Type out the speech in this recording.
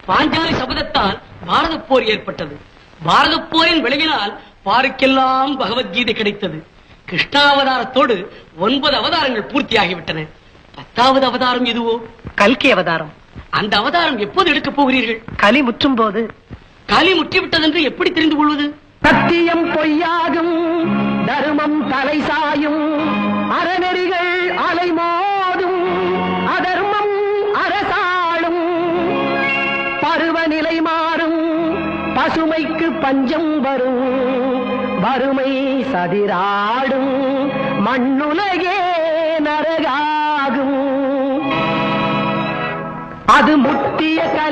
பாஞ்சாலி சபதத்தால் பாரத போர் ஏற்பட்டது. பாரத போரின் விளைவினால் பாருக்கெல்லாம் பகவத்கீதை கிடைத்தது. கிருஷ்ணாவதாரத்தோடு 9 அவதாரங்கள் பூர்த்தியாகிவிட்டன. 10வது அவதாரம் எதுவோ? கல்கி அவதாரம். அந்த அவதாரம் எப்போது எடுக்கப் போகிறீர்கள்? கலி முற்றும் போது. கலி முற்றிவிட்டதென்று எப்படி தெரிந்து கொள்வது? சத்தியம் பொய்யாகும், தர்மம் தலை சாயும், அறநெறிகள் அலைமோதும், அதர்மம் அரசாளும், பருவநிலை மாறும், பசுமைக்கு பஞ்சம் வரும், வறுமை சதிராடும், மண்ணுலகே நரகாகும். அது முட்டிய